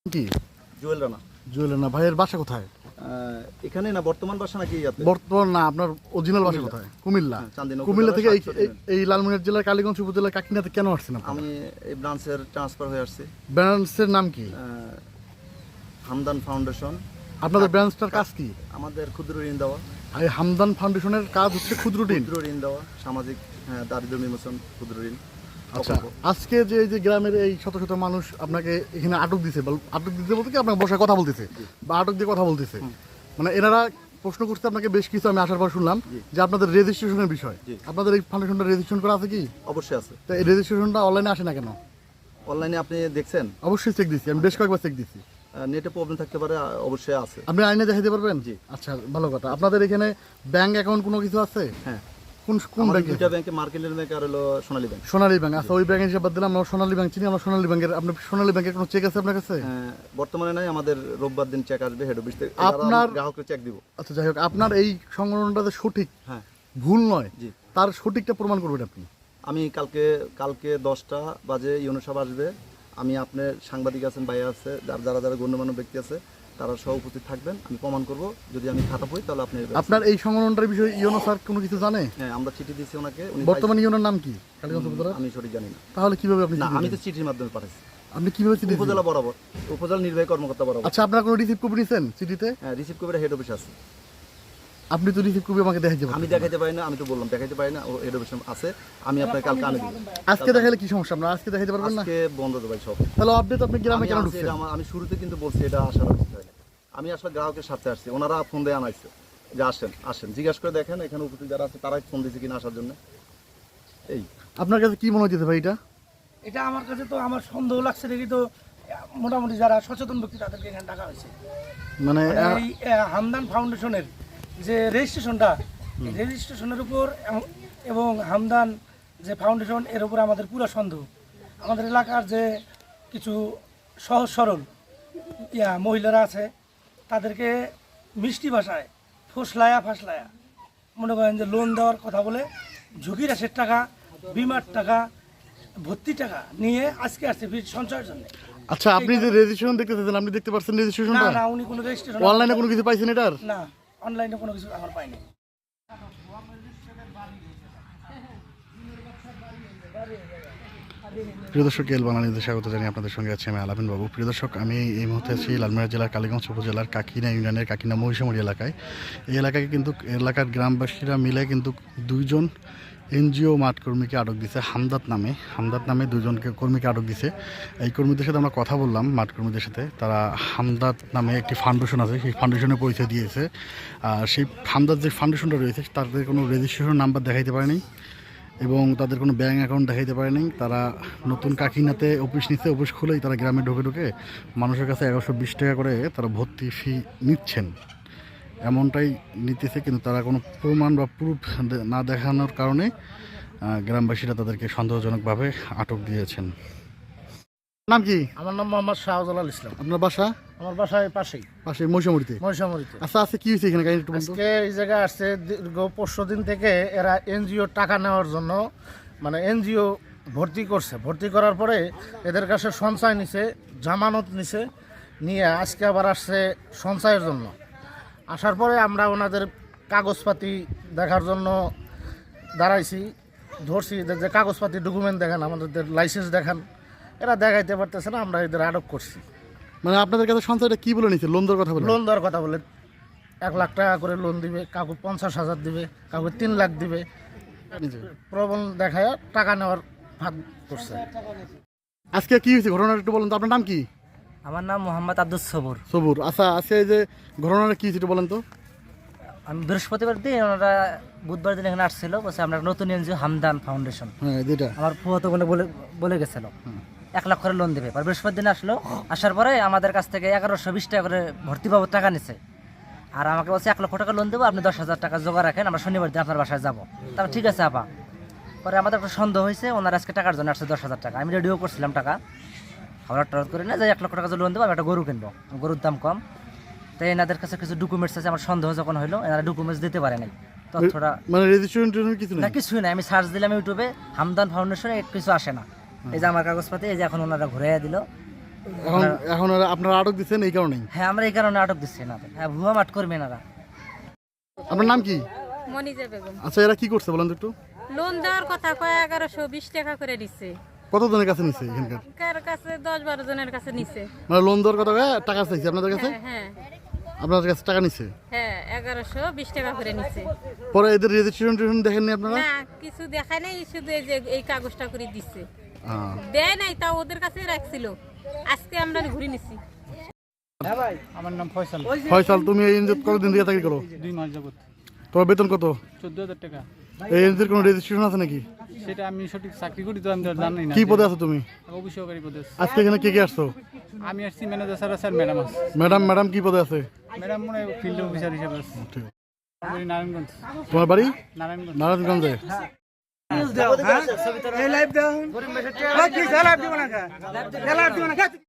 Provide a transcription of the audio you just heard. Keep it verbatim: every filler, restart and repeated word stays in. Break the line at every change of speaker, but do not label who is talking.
কি
জুয়েল রানা।
জুয়েল রানা ভাইয়ের বাসা কোথায়?
এখানে না, বর্তমান বাসা নাকি ইয়াতে?
বর্তমান না, আপনার অরিজিনাল বাসা কোথায়? কুমিল্লা।
চান্দিনা
কুমিল্লা থেকে এই এই লালমনিরহাট জেলার কালীগঞ্জ উপজেলার কাকিনাতে কেন আসছেন আপনি?
আমি এই ব্রাঞ্চের ট্রান্সফার হয়ে আসছি।
ব্রাঞ্চের নাম কি?
হামদান ফাউন্ডেশন।
আপনাদের ব্রাঞ্চটার কাজ কি?
আমাদের ক্ষুদ্র ঋণ দেওয়া।
এই হামদান ফাউন্ডেশনের কাজ হচ্ছে ক্ষুদ্র ঋণ।
ক্ষুদ্র ঋণ দেওয়া, সামাজিক হ্যাঁ দারিদ্র্য বিমোচন ক্ষুদ্র ঋণ।
আচ্ছা, আজকে যে এই যে গ্রামের এই শত শত মানুষ আপনাকে এখানে আটক দিছে, আটক দিতে বলতে কি আপনাকে বসে কথা বলতেছে বা আটক দিয়ে কথা বলতেছে, মানে এনারা প্রশ্ন করছে আপনাকে বেশ কিছু, আমি আসার পর শুনলাম যে আপনাদের রেজিস্ট্রেশনের বিষয়। আপনাদের এই ফাউন্ডেশনটা রেজিস্ট্রেশন করা আছে কি?
অবশ্যই আছে।
তো এই রেজিস্ট্রেশনটা অনলাইনে আসে না কেন?
অনলাইনে আপনি দেখছেন?
অবশ্যই চেক দিচ্ছি, আমি বেশ কয়েকবার চেক দিচ্ছি।
নেটে প্রবলেম থাকতে পারে, অবশ্যই আছে।
আপনি আইনে দেখাইতে পারবেন?
জি।
আচ্ছা, ভালো কথা। আপনাদের এখানে ব্যাংক অ্যাকাউন্ট কোনো কিছু আছে?
হ্যাঁ।
কোন কোন ব্যাংকে?
দুইটা ব্যাংকে, মার্কেন্টাইল ব্যাংক আর হলো সোনালী ব্যাংক।
সোনালী ব্যাংক। আচ্ছা, ওই ব্যাংকের হিসাব বাদ দিলাম, আমরা সোনালী ব্যাংক চিনি। আমরা সোনালী ব্যাংকের, আপনার সোনালী ব্যাংকের কোনো চেক আছে আপনার কাছে?
হ্যাঁ, বর্তমানে নাই, আমাদের রোববার দিন চেক আসবে হেড অফিস থেকে।
আপনার
গ্রাহককে চেক দিব।
আচ্ছা, যাই হোক, আপনার এই সংগঠনটা যে সঠিক,
হ্যাঁ,
ভুল নয়,
জি,
তার সঠিকটা প্রমাণ করবেন আপনি।
আমি কালকে কালকে দশটা বাজে ইউনো সাহেব আসবে। আমি আপনার সাংবাদিক আছেন, ভাই আছে, যারা যারা যারা গণ্যমান্য ব্যক্তি আছে, তারা সহ উপস্থিত থাকবেন। আমি প্রমাণ করব, যদি আমি খাতা পড়ি তাহলে আপনি।
আপনার এই সংগঠনটার বিষয়ে ইউনো স্যার কোনো কিছু জানে?
হ্যাঁ, আমরা চিঠি দিয়েছি ওনাকে।
বর্তমানে ইউনোর নাম কি কালীগঞ্জ উপজেলা?
আমি সঠিক জানি না।
তাহলে কিভাবে আপনি?
না, আমি তো চিঠির মাধ্যমে পাঠাইছি।
আপনি কিভাবে চিঠি?
উপজেলা বরাবর, উপজেলা নির্বাহী কর্মকর্তা বরাবর।
আচ্ছা, আপনারা কোনো রিসিভ কপি নিছেন চিঠিতে?
হ্যাঁ, রিসিভ কপিটা হেড অফিস আছে।
আপনি তো রিসিভ কপি আমাকে দেখাইতে পারেন।
আমি দেখাইতে পারি না, আমি তো বললাম দেখাইতে পারি না, ও হেড অফিস আছে। আমি আপনাকে কালকে আনে দিব।
আজকে দেখাইলে কি সমস্যা? আপনারা আজকে দেখাইতে পারবেন না?
আজকে বন্ধ তো ভাই সব।
তাহলে আপডেট আপনি গ্রামে
আমি
কেন
আসছি,
ঢুকছেন?
এটা আমার- আমি শুরুতে কিন্তু বলছি এটা আসার উচিত হয় না। আমি আসলে গ্রাহকের সাথে আসছি, ওনারা ফোন দিয়ে আনাইছে যে আসেন আসেন, জিজ্ঞাসা করে দেখেন এখানে উপস্থিত যারা আছে তারাই ফোন দিয়েছে কিনা আসার জন্য। এই
আপনার কাছে কি মনে হচ্ছে ভাই এটা?
এটা আমার কাছে তো আমার সন্দেহ লাগছে দেখি তো, মোটামুটি যারা সচেতন ব্যক্তি তাদেরকে এখানে ডাকা হয়েছে।
মানে
মানে এই আহ, হামদান ফাউন্ডেশনের যে রেজিস্ট্রেশনটা, এই রেজিস্ট্রেশনের উপর এবং- এবং হামদান যে ফাউন্ডেশন, এর উপর আমাদের পুরো সন্দেহ। আমাদের এলাকার যে কিছু সহজ সরল ইয়া মহিলারা আছে, তাদেরকে মিষ্টি ভাষায় ফসলায়া ফাসলায়া মনে করেন যে লোন দেওয়ার কথা বলে ঝুঁকি রাশের টাকা, বিমার টাকা, ভর্তি টাকা নিয়ে আজকে আসছে বীজ সঞ্চয়ের জন্য।
আচ্ছা, আপনি যে রেজিস্ট্রেশন দেখতে চাইছেন, আপনি দেখতে পাচ্ছেন
না
রেজিস্ট্রেশনটা?
না, উনি কোনো রেজিস্ট্রেশন
অনলাইনে কোনো কিছু পাইছেন এটার?
না, অনলাইনে কোনো কিছু আমার পাইনি।
প্রিয় দর্শক, এল বাংলানিউজে স্বাগত জানিয়ে আপনাদের সঙ্গে আছি আমি আলামিন বাবু। প্রিয় দর্শক, আমি এই মুহূর্তে আছি লালমনিরহাট জেলার কালীগঞ্জ উপজেলার কাকিনা ইউনিয়নের কাকিনা মহিষামুড়ি এলাকায়। এই এলাকায় কিন্তু এলাকার গ্রামবাসীরা মিলে কিন্তু দুইজন এনজিও মাঠ কর্মীকে আটক দিছে হামদাত নামে। হামদাত নামে দুজনকে কর্মীকে আটক দিছে। এই কর্মীদের সাথে আমরা কথা বললাম, মাঠ কর্মীদের সাথে। তারা হামদাত নামে একটি ফাউন্ডেশন আছে, সেই ফাউন্ডেশনের পরিচয় দিয়েছে। আর সেই হামদাত যে ফাউন্ডেশনটা রয়েছে তাদের কোনো রেজিস্ট্রেশন নাম্বার দেখাইতে পারেনি এবং তাদের কোনো ব্যাঙ্ক অ্যাকাউন্ট দেখাইতে পারেনি। তারা নতুন কাকিনাতে অফিস নিচ্ছে, অফিস খুলেই তারা গ্রামে ঢুকে ঢুকে মানুষের কাছে এগারোশো বিশ টাকা করে তারা ভর্তি ফি নিচ্ছেন, এমনটাই নিতেছে। কিন্তু তারা কোনো প্রমাণ বা প্রুফ না দেখানোর কারণে গ্রামবাসীরা তাদেরকে সন্দেহজনকভাবে আটক দিয়েছেন। নাম কি?
আমার নাম মোহাম্মদ শাহজালাল ইসলাম।
আপনার বাসা?
আমার বাসায় পাশেই,
পাশে মহিষামুড়িতে।
মহিষামুড়িতে।
আচ্ছা, আজকে কি হয়েছে এখানে? কাহিনী একটু বলুন তো।
আজকে এই জায়গায় আসছে দীর্ঘ পরশু দিন থেকে এরা এনজিও টাকা নেওয়ার জন্য, মানে এনজিও ভর্তি করছে। ভর্তি করার পরে এদের কাছে সঞ্চয় নিছে, জামানত নিছে, নিয়ে আজকে আবার আসছে সঞ্চয়ের জন্য। আসার পরে আমরা ওনাদের কাগজপাতি দেখার জন্য দাঁড়াইছি, ধরছি, এদের যে কাগজপাতি ডকুমেন্ট দেখান, আমাদের লাইসেন্স দেখান। এরা দেখাইতে পারতেছে না, আমরা এদের আটক করছি।
মানে আপনাদের কাছে সঞ্চয়টা কি বলে নিচ্ছে? লোন দেওয়ার কথা বলে?
লোন দেওয়ার কথা বলে এক লাখ টাকা করে লোন দিবে, কাউকে পঞ্চাশ হাজার দিবে, কাউকে তিন লাখ দিবে, প্রবল দেখায় টাকা নেওয়ার ভাগ করছে।
আজকে কি হয়েছে ঘটনাটা একটু বলেন তো। আপনার নাম কি?
আমার নাম মোহাম্মদ আব্দুস সবুর।
সবুর। আচ্ছা, আজকে এই যে ঘটনাটা কি হয়েছে একটু বলেন তো।
আমি বৃহস্পতিবার দিন ওনারা বুধবার দিন এখানে আসছিল, বলছে আমরা নতুন এনজিও হামদান ফাউন্ডেশন,
হ্যাঁ, যেটা
আমার ফুয়াতো বোনে বলে বলে গেছিল এক লাখ করে লোন দেবে। আর বৃহস্পতি দিন আসলো, আসার পরে আমাদের কাছ থেকে এগারোশো বিশ টাকা করে ভর্তি বাবদ টাকা নিছে। আর আমাকে বলছে এক লক্ষ টাকা লোন দেবো, আপনি দশ হাজার টাকা জোগাড় রাখেন, আমরা শনিবার দিন আপনার বাসায় যাবো। তারপর ঠিক আছে আপা। পরে আমাদের একটা সন্দেহ হয়েছে, ওনারা আজকে টাকার জন্য আসছে দশ হাজার টাকা। আমি রেডিও করছিলাম টাকা, হঠাৎ টরাত করে না যে এক লক্ষ টাকা লোন দেবো, আমি একটা গরু কিনবো, গরুর দাম কম। তাই এনাদের কাছে কিছু ডকুমেন্টস আছে, আমার সন্দেহ যখন হলো এনারা ডকুমেন্টস দিতে পারে নাই, তথ্যটা
মানে রেজিস্ট্রেশন কিছু
না,
না?
কিছুই না। আমি সার্চ দিলাম ইউটিউবে, হামদান ফাউন্ডেশনে কিছু আসে না। এই যে আমার কাগজপাতি, এই যে এখন ওনারা ঘুরাইয়া দিল,
এখন এখন আর আপনারা আটক দিচ্ছেন এই কারণেই।
হ্যাঁ আমরা এই কারণে আটক দিচ্ছি না, হ্যাঁ ভুয়া মাঠ করবেন এরা।
আপনার নাম কি?
মনিজা বেগম।
আচ্ছা, এরা কি করছে বলেন তো একটু।
লোন দেওয়ার কথা কয় এগারোশো বিশ টাকা করে দিচ্ছে।
কতজনের কাছে নিচ্ছে এখানকার?
কার কাছে দশ বারো জনের কাছে নিছে।
মানে লোন দেওয়ার কথা কয়ে টাকা চাইছে আপনাদের কাছে?
হ্যাঁ হ্যাঁ
আপনাদের কাছে টাকা নিচ্ছে?
হ্যাঁ এগারোশো বিশ টাকা করে নিচ্ছে।
পরে এদের রেজিস্ট্রেশন টেশন দেখেননি আপনারা?
না কিছু দেখায় নাই, শুধু এই যে এই কাগজটা করে দিচ্ছে,
হ্যাঁ।
দেয় নাই, তাও ওদের কাছে রাখছিল। আজকে আমরা ঘুরে নিছি।
আমার নাম ফয়সাল।
ফয়সাল, তুমি এই এনজিও কতদিন থেকে চাকরি করো?
দুই মাস যাবত।
তোমার বেতন কত?
চোদ্দ হাজার টাকা।
এই এনজিওর কোনো রেজিস্ট্রেশন আছে নাকি?
সেটা আমি সঠিক চাকরি করি তো আমি তো আর জানি না।
কি পদে আছো তুমি?
অফিসহকারী পদে আছি।
আজকে এখানে কে কে আসছো?
আমি আসছি ম্যানেজার স্যার আছে আর ম্যাডাম আছে।
ম্যাডাম ম্যাডাম কি পদে আছে?
ম্যাডাম মনে হয় ফিল্ড অফিসার হিসেবে আছে।
ঠিক আছে।
আমার বাড়ি নারায়ণগঞ্জ।
তোমার বাড়ি?
নারায়ণগঞ্জ।
নারায়ণগঞ্জে।
এই লাইভ দাও।